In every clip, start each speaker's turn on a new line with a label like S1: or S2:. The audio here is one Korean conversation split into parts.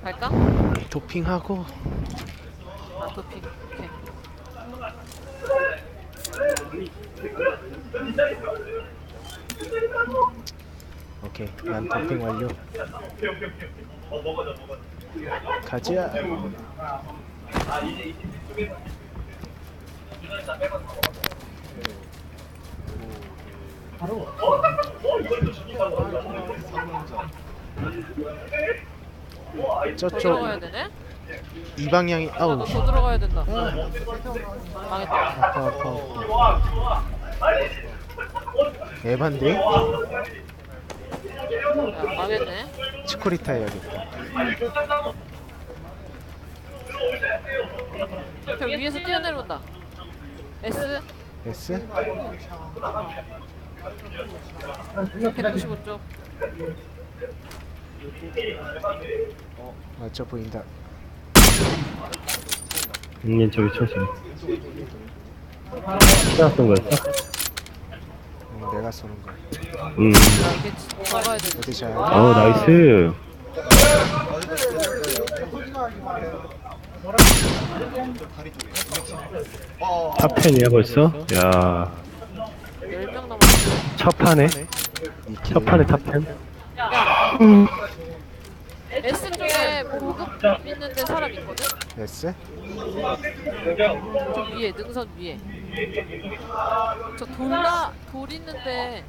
S1: 갈까?
S2: 도핑하고.
S1: 아 도핑. 오케이.
S2: 오케이. 난 도핑 완료. 가자.
S1: 더
S2: 저쪽
S1: 들어가야 되네?
S2: 이 방향이 아우
S1: 너 더 들어가야 된다. 망했다.
S2: 아파 아파. 에반데?
S1: 야, 망했네.
S2: 치코리타 해야겠다.
S1: 저 위에서 뛰어내려온다. S
S2: S?
S1: 195쪽.
S2: 맞죠 보인다.
S3: 저기 쳐서 내가 쏜 거였어?
S2: 내가 쏘는 거야.
S1: 나 이게 잡아야 되는데.
S2: 어디 잘?
S3: 나이스. 탑10이야 벌써? 야
S1: 10명 남았어.
S3: 첫 판에?
S2: 이킬.
S3: 첫 판에 탑10?
S1: S 쪽에 보급 있는데 사람 있거든?
S2: S?
S1: 저 위에, 능선 위에. 저 돌 있는데.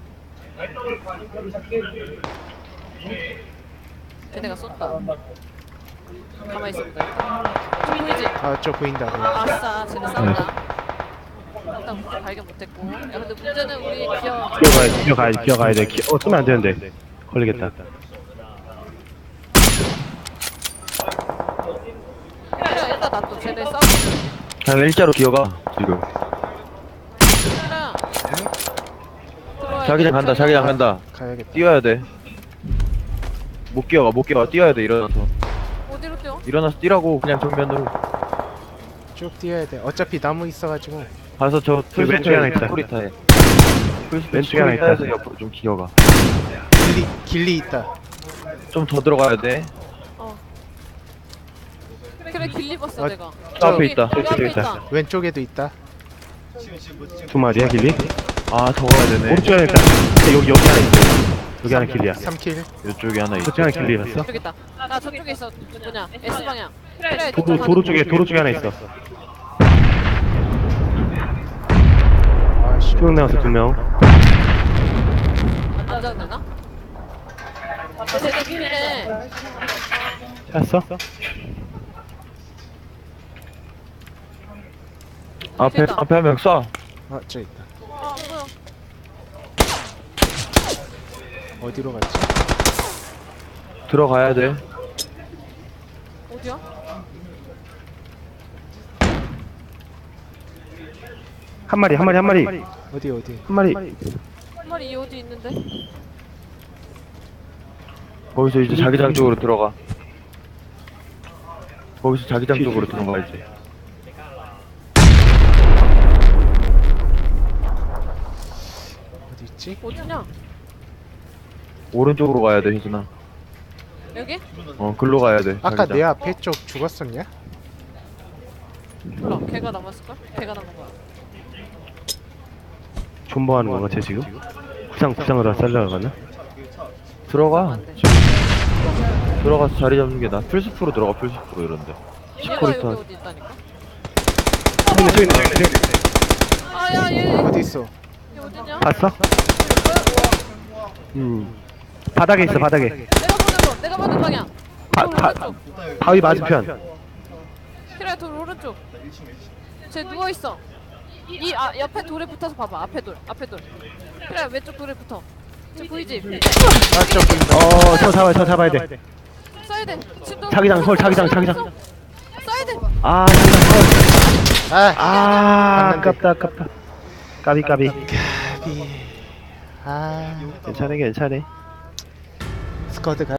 S1: 걔네가 쏜다. 가만히 있어보자. 저 보이지?
S2: 아저 보인다.
S1: 아싸, 쟤네 싸운다. 일단 발견 못했고. 야, 근데 문제는 우리 기어.
S3: 기어가야 돼. 쓰면 안 되는데. 걸리겠다.
S1: 그래, 일단 놔둬. 쟤네 싸우고.
S3: 그냥 일자로 기어가, 지금.
S1: 그래.
S3: 자기장 간다, 자기장 간다.
S2: 가야겠다.
S3: 뛰어야 돼. 못 기어가. 뛰어야 돼, 일어나서.
S1: 어디로 뛰어?
S3: 일어나서 뛰라고, 그냥 정면으로.
S2: 쭉 뛰어야 돼. 어차피 나무 있어가지고.
S3: 가서 저
S4: 왼쪽에 하나 있다.
S3: 스토리타에.
S4: 왼쪽에 하나 있다.
S3: 스토리타에서 옆으로 좀 기어가.
S2: 길리 있다.
S3: 좀 더 들어가야 돼.
S1: 어. 그래, 길리 봤어,
S2: 아,
S1: 내가.
S3: 저 앞에 있다.
S1: 여기 앞에
S4: 저기
S1: 있다.
S2: 왼쪽에도 있다.
S4: 두 마리야 길리?
S3: 아, 더 가야 되네.
S4: 오른쪽에 하나 있다. 여기 하나 있어. 여기 하나 길리야.
S2: 3킬.
S3: 이쪽에 하나 있어.
S4: 저쪽에 하나 길리였어?
S1: 저기 있다. 아, 저쪽에 있어. 뭐냐? S 방향. 그래, 저쪽
S4: 도로
S1: 가는
S4: 쪽에 하나 있어.
S2: 아씨.
S4: 쭉 나와서 2명.
S1: 안 잡나? 아, 쟤네 길리네.
S4: 찾았어?
S3: 앞에 한 명 쏴.
S2: 아저 있다.
S1: 아, 뭐야?
S2: 어디로 갔지?
S3: 들어가야 돼.
S1: 어디야?
S4: 한 마리.
S2: 어디?
S4: 한 마리.
S1: 한 마리 이 어디 있는데?
S3: 거기서 이제 자기장 쪽으로 들어가. 거기서 자기장 쪽으로 들어가야지.
S2: 어디 있지?
S1: 어디냐?
S3: 오른쪽으로 가야 돼, 혜진아.
S1: 여기?
S3: 글로 가야 돼.
S2: 아까
S3: 자기장.
S2: 내 앞에 쪽 죽었었냐?
S1: 몰라. 걔가 남았을걸? 걔가 남은 거야.
S4: 존버하는 건가 쟤 지금? 구상으로 살려고 가나?
S3: 들어가.
S1: 안 돼.
S3: 들어가서 자리 잡는 게 나. 풀스프로 들어가, 풀스프로 이런데.
S1: 얘가
S3: 시코리타.
S1: 여기 어디 있다니까?
S4: 저기 있네.
S1: 아, 야, 얘
S2: 어디 있어?
S1: 어디냐?
S4: 봤어? 바닥에 있어 바닥에.
S1: 내가 보는 방향.
S4: 바-
S1: 돌
S4: 바-
S1: 오른쪽.
S4: 바위 맞은편.
S1: 그래, 돌 오른쪽. 쟤 누워 있어. 옆에 돌에 붙어서 봐봐. 앞에 돌. 그래, 왼쪽 돌에 붙어. 쟤 보이지?
S2: 아저 보인다.
S4: 저 잡아야 돼.
S1: 써야 돼. 침도.
S4: 자기장, 서울 자기장.
S1: 써야 돼.
S4: 아, 자기장 서울.
S2: 아
S4: 아깝다. 까비.
S2: 까비.
S4: 괜찮아.
S2: 스쿼드 가.